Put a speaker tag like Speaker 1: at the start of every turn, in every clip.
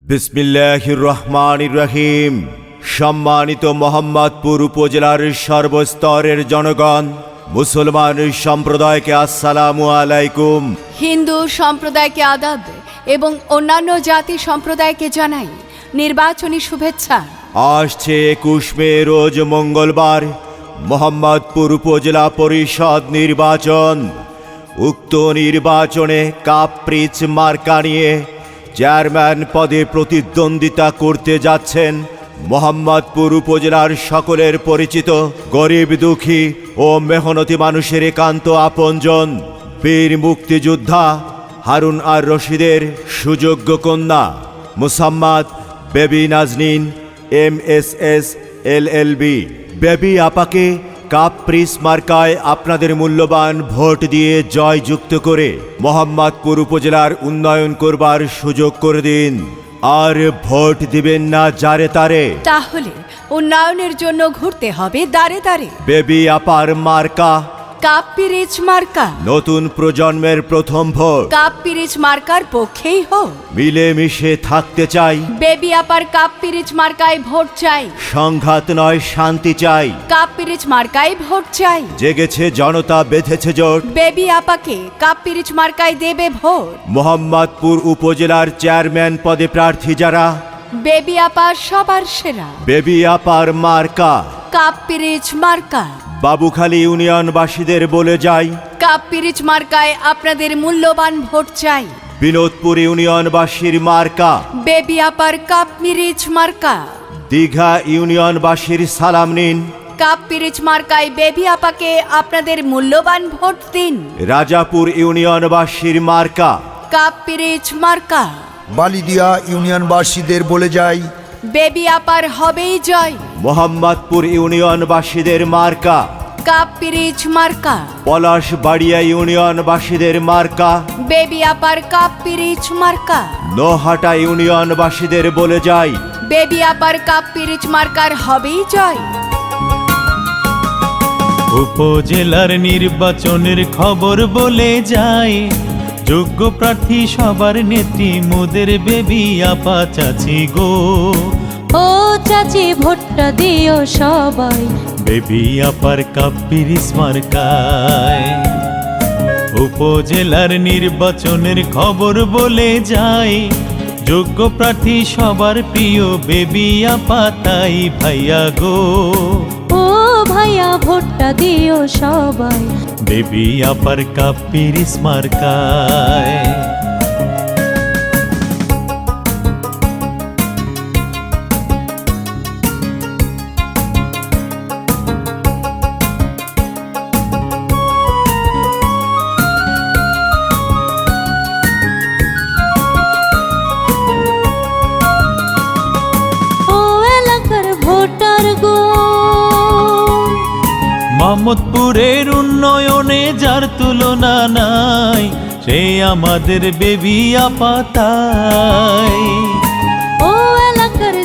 Speaker 1: বিসমিল্লাহির রহমানির রহিম। সম্মানিত মোহাম্মদপুর উপজেলার সর্বস্তরের জনগণ, মুসলমান সম্প্রদায়কে আসসালামু আলাইকুম,
Speaker 2: হিন্দু সম্প্রদায়কে আদাব এবং অন্যান্য জাতি সম্প্রদায়কে জানাই নির্বাচনী শুভেচ্ছা।
Speaker 1: আসছে 21 মে রোজ মঙ্গলবার মোহাম্মদপুর উপজেলা পরিষদ নির্বাচন। উক্ত নির্বাচনে কাপ্রিচ মার্কা নিয়ে চেয়ারম্যান পদে প্রতিদ্বন্দ্বিতা করতে যাচ্ছেন মোহাম্মদপুর উপজেলার সকলের পরিচিত গরিব দুঃখী ও মেহনতি মানুষের একান্ত আপনজন বীর মুক্তিযোদ্ধা হারুন আর রশিদের সুযোগ্য কন্যা মুসাম্মাদ বেবি নাজনীন MSS LLB। বেবি আপাকে কাপ্রিস মার্কায় আপনাদের মূল্যবান ভোট দিয়ে জয়যুক্ত করে মোহাম্মদপুর উপজেলার উন্নয়ন করবার সুযোগ করে দিন। আর ভোট দিবেন না যারে তারে,
Speaker 2: তাহলে উন্নয়নের জন্য ঘুরতে হবে দাঁড়ে দাঁড়ে।
Speaker 1: বেবি আপার মার্কা
Speaker 2: কাপ্রিচ মার্কা,
Speaker 1: নতুন প্রজন্মের প্রথম ভোট।
Speaker 2: কাপ্রিচ মার্কার পক্ষেই হোক।
Speaker 1: মিলেমিশে থাকতে চাই,
Speaker 2: বেবি আপার কাপ্রিচ মার্কায় ভোট চাই।
Speaker 1: সংঘাত নয় শান্তি চাই।
Speaker 2: কাপ্রিচ মার্কায় ভোট চাই।
Speaker 1: জেগেছে জনতা, বেঁধেছে জোট,
Speaker 2: বেবি আপাকে কাপ্রিচ মার্কায় দেবে ভোট।
Speaker 1: মোহাম্মদপুর উপজেলার চেয়ারম্যান পদে প্রার্থী যারা,
Speaker 2: বেবি আপা সবার সেরা।
Speaker 1: বেবি আপার মার্কা
Speaker 2: কাপ্রিচ মার্কা।
Speaker 1: বাবুখালী ইউনিয়নবাসীদের বলে যাই,
Speaker 2: কাপ্রিচ মার্কায় আপনাদের মূল্যবান ভোট চাই।
Speaker 1: বিনোদপুর ইউনিয়নবাসীর মার্কা
Speaker 2: বেবি আপার কাপ্রিচ মার্কা।
Speaker 1: দীঘা ইউনিয়নবাসীর সালাম নিন,
Speaker 2: কাপ্রিচ মার্কায় বেবি আপাকে আপনাদের মূল্যবান ভোট দিন।
Speaker 1: রাজাপুর ইউনিয়নবাসীর মার্কা
Speaker 2: কাপ্রিচ মার্কা।
Speaker 3: বালিদিয়া ইউনিয়নবাসীদের বলে যাই,
Speaker 2: বেবি আপার হবেই জয়।
Speaker 1: মোহাম্মদপুর ইউনিয়নবাসীদের মার্কা
Speaker 2: কাপ্রিচ মার্কা।
Speaker 1: পলাশবাড়িয়া ইউনিয়নবাসীদের মার্কা
Speaker 2: বেবি আপার কাপ্রিচ মার্কা।
Speaker 1: নোহাটা ইউনিয়নবাসীদের বলে যাই,
Speaker 2: বেবি আপার কাপ্রিচ মার্কার হবেই জয়।
Speaker 4: উপজেলার নির্বাচনের খবর বলে যায়, যোগ্য প্রার্থী সবার নেত্রী মোদের বেবি আপা চাচি গো।
Speaker 5: ও চাচি ভোটটা দিও সবাই,
Speaker 4: বেবি আপার কাপ্রিচ মার্কায়। উপজেলার নির্বাচনের খবর বলে যায়, যোগ্য প্রার্থী সবার প্রিয় বেবি আপা তাই ভাইয়া গো।
Speaker 5: ও ভাইয়া ভোটটা দিও সবাই,
Speaker 4: বেবি আপার কাপ্রিচ মার্কায়।
Speaker 5: ও এলাকার ভোটার গো,
Speaker 4: মোহাম্মদপুরের উন্নয়নে যার তুলনা নাই, সে আমাদের বেবি আপা তাই।
Speaker 5: ও এলাকার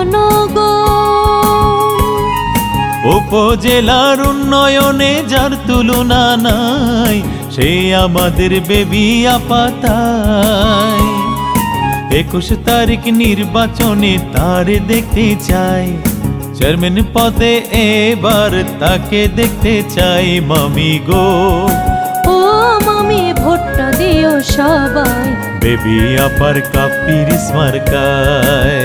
Speaker 5: জনগণ,
Speaker 4: উপজেলার উন্নয়নে যার তুলনা নাই, সে আমাদের বেবি আপা তাই। 21 তারিখ নির্বাচনে তার দেখতে চাই, চেয়ারম্যান পদে এবার তাকে দেখতে চাই মামি গো।
Speaker 5: ও মামি ভোটটা দিও সবাই,
Speaker 4: বেবি আপার কাপ্রিচ মার্কায়।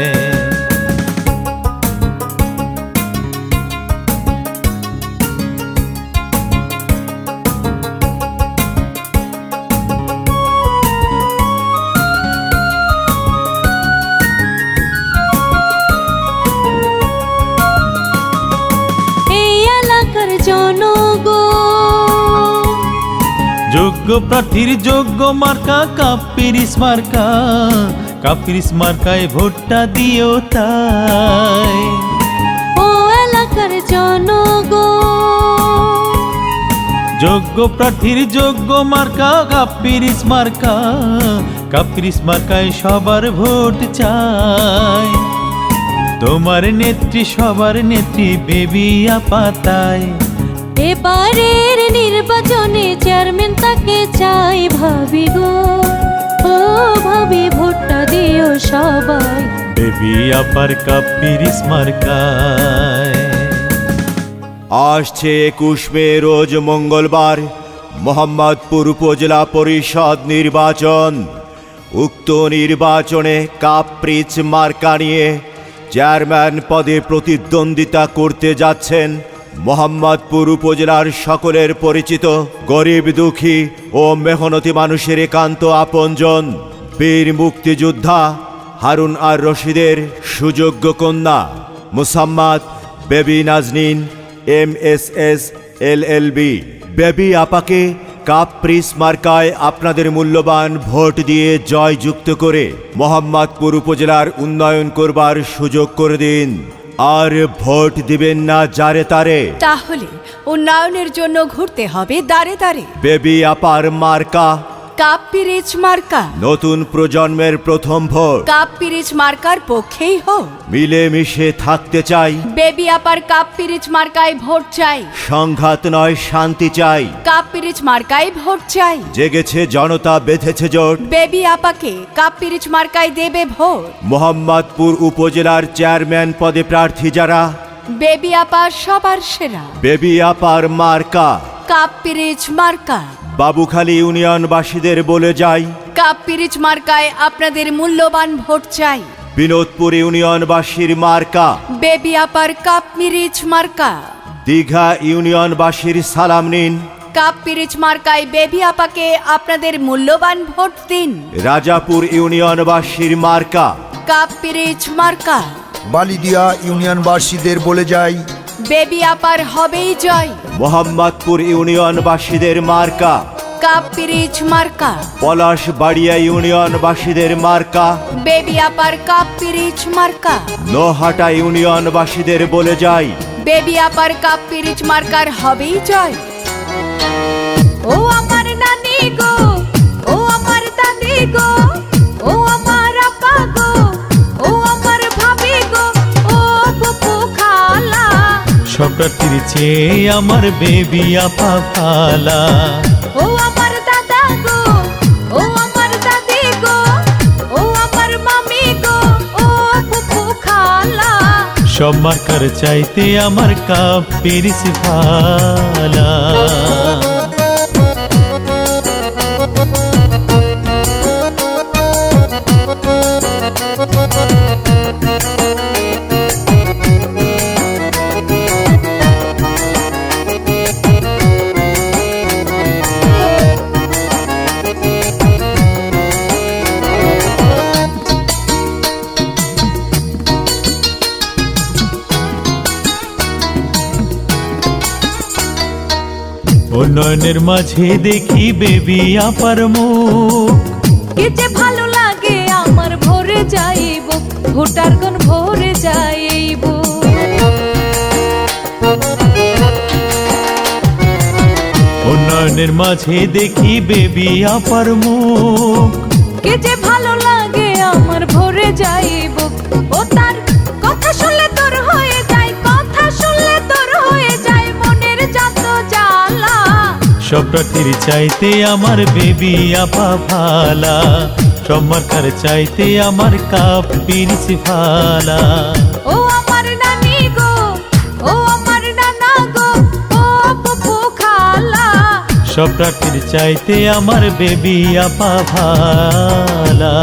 Speaker 5: এই এলাকার জনগণ,
Speaker 4: যোগ্য প্রার্থীর যোগ্য মার্কা কাপ্রিচ মার্কা। কাপ্রিচ মার্কায় ভোটটা দিও তাই।
Speaker 5: ও এলাকার জনগণ,
Speaker 4: যোগ্য প্রার্থীর যোগ্য মার্কা কাপ্রিচ মার্কা। কাপ্রিচ মার্কায় সবার ভোট চাই, তোমার নেত্রী সবার নেত্রী বেবি আপা তাই।
Speaker 5: এবারের নির্বাচনে চেয়ারম্যান তাকে চাই ভাবি গো। ও ভাবি ভোটটা দিও সবাই,
Speaker 4: বেবি আপার কাপিরিস মার্কায়।
Speaker 1: আসছে 21 মে রোজ মঙ্গলবার মোহাম্মদপুর উপজেলা পরিষদ নির্বাচন। উক্ত নির্বাচনে কাপ্রিচ মার্কা নিয়ে চেয়ারম্যান পদে প্রতিদ্বন্দ্বিতা করতে যাচ্ছেন মোহাম্মদপুর উপজেলার সকলের পরিচিত গরিব দুঃখী ও মেহনতি মানুষের একান্ত আপনজন বীর মুক্তিযোদ্ধা হারুন আর রশিদের সুযোগ্য কন্যা মুসাম্মাদ বেবি নাজনীন MSS LLB। বেবি আপাকে কাপ্রিস মার্কায় আপনাদের মূল্যবান ভোট দিয়ে জয়যুক্ত করে মোহাম্মদপুর উপজেলার উন্নয়ন করবার সুযোগ করে দিন। আর ভোট দিবেন না যারে তারে।
Speaker 2: তাহলে উন্নয়নের জন্য ঘুরতে হবে দাঁড়ে দাঁড়ে।
Speaker 1: বেবি আপার মার্কা
Speaker 2: কাপ্পিরিচ মার্কা।
Speaker 1: নতুন প্রজন্মের প্রথম ভোট।
Speaker 2: কাপ্পিরিচ মার্কার পক্ষেই হোক।
Speaker 1: মিলেমিশে থাকতে চাই।
Speaker 2: বেবি আপার কাপ্পিরিচ মার্কায় ভোট চাই।
Speaker 1: সংঘাত নয় শান্তি চাই।
Speaker 2: কাপ্পিরিচ মার্কায় ভোট চাই।
Speaker 1: জেগেছে জনতা বেঁধেছে জোট।
Speaker 2: বেবি আপাকে কাপ্পিরিচ মার্কায় দেবে ভোট।
Speaker 1: মোহাম্মদপুর উপজেলার চেয়ারম্যান পদে প্রার্থী যারা
Speaker 2: বেবি আপা সবার সেরা।
Speaker 1: বেবি আপার মার্কা
Speaker 2: কাপ্পিরিচ মার্কা।
Speaker 1: বাবুখালী ইউনিয়নবাসীদের বলে যাই
Speaker 2: কাপ্পিরিচ মার্কায় আপনাদের মূল্যবান ভোট চাই।
Speaker 1: বিনোদপুর ইউনিয়নবাসীর মার্কা
Speaker 2: বেবি আপার কাপ্পিরিচ মার্কা।
Speaker 1: দীঘা ইউনিয়নবাসীর সালাম নিন।
Speaker 2: কাপ্পিরিচ মার্কায় বেবি আপাকে আপনাদের মূল্যবান ভোট দিন।
Speaker 1: রাজাপুর ইউনিয়নবাসীর মার্কা
Speaker 2: কাপ্পিরিচ মার্কা।
Speaker 3: বালিদিয়া ইউনিয়নবাসীদের বলে যাই
Speaker 2: বেবি আপার হবেই জয়।
Speaker 1: মোহাম্মদপুর ইউনিয়নবাসীদের মার্কা
Speaker 2: কাপ্পিরিচ মার্কা।
Speaker 1: পলাশবাড়িয়া ইউনিয়নবাসীদের মার্কা
Speaker 2: বেবি আপার কাপ্পিরিচ মার্কা।
Speaker 1: নোহাটা ইউনিয়নবাসীদের বলে যাই
Speaker 2: বেবি আপার কাপ্পিরিচ মার্কার হবেই জয়। ও আমার নানি গো, ও আমার দাদি গো, ও আমার আপা গো, ও আমার ভাবি গো, ও ফুফু খালা।
Speaker 4: সব প্রার্থীর চেয়ে আমার বেবি আপা ভালা।
Speaker 2: ও আমার দাদা গো, ও আমার দাদি গো, ও আমার মামি গো, ও ফুফু খালা।
Speaker 4: সব মার্কার চাইতে আমার কাপিরিস ভালা। উন্নয়নের মাঝে দেখি বেবি আপার মুখ।
Speaker 5: কি যে ভালো লাগে আমার ভরে যাইব, ভোটার গণ ভরে যাইব।
Speaker 4: উন্নয়নের মাঝে দেখি বেবি আপার মুখ।
Speaker 5: কি যে ভালো লাগে আমার ভরে যাইব। ও তার কথা শুনলে তোর হয়ে যায়, কথা শুনলে তোর হয়ে যায় মনের যত জ্বালা।
Speaker 4: সব প্রার্থীর চাইতে আমার বেবি আপা ভালা। সব মার্কার চাইতে আমার কাপিরিস ভালা।
Speaker 5: ও আমার নানি গো, ও আমার নানা গো, ও ফুফু খালা।
Speaker 4: সব প্রার্থীর চাইতে আমার বেবি আপা ভালা।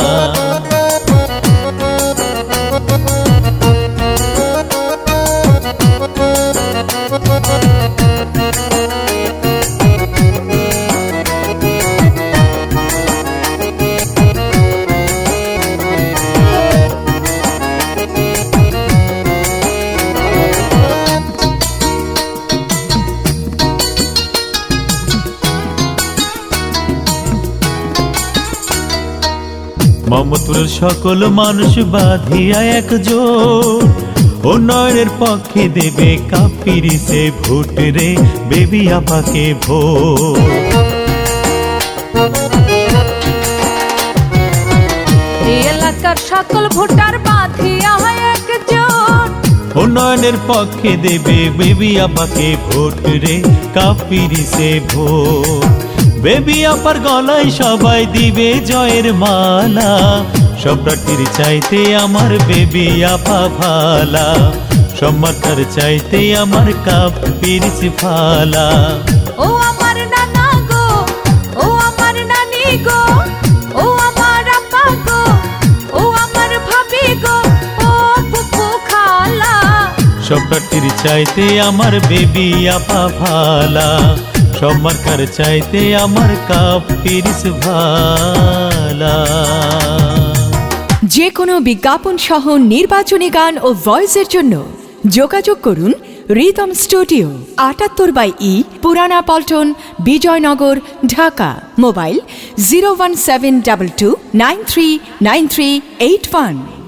Speaker 4: মোহাম্মদপুরের সকল মানুষ বাঁধিয়া একজোট। উন্নয়নের পক্ষে দেবে কাপিরিসে ভোট রে, বেবি আপাকে ভোট।
Speaker 5: এই এলাকার সকল ভোটার বাঁধিয়া একজোট।
Speaker 4: উন্নয়নের পক্ষে দেবে বেবি আপাকে ভোট রে, কাপিরিসে ভোট। বেবি আপার গলায় সবাই দিবে জয়ের মালা। সব প্রার্থীর চাইতে আমার বেবি আপা ভালা, সব মার্কার চাইতে আমার কাপ পিরিচ ভালা।
Speaker 5: ও আমার নানা গো, ও আমার নানি গো, ও আমার আপা গো, ও আমার ভাবি গো, ও ফুফু খালা।
Speaker 4: সব প্রার্থীর চাইতে আমার বেবি আপা ভালা, সব মার্কার চাইতে আমার কাপ পিরিচ ভালা।
Speaker 2: যে কোনো বিজ্ঞাপন সহ নির্বাচনী গান ও ভয়েসের জন্য যোগাযোগ করুন রিদম স্টুডিও, ৭৮/ই, পুরানা পল্টন, বিজয়নগর, ঢাকা। মোবাইল 01722939381।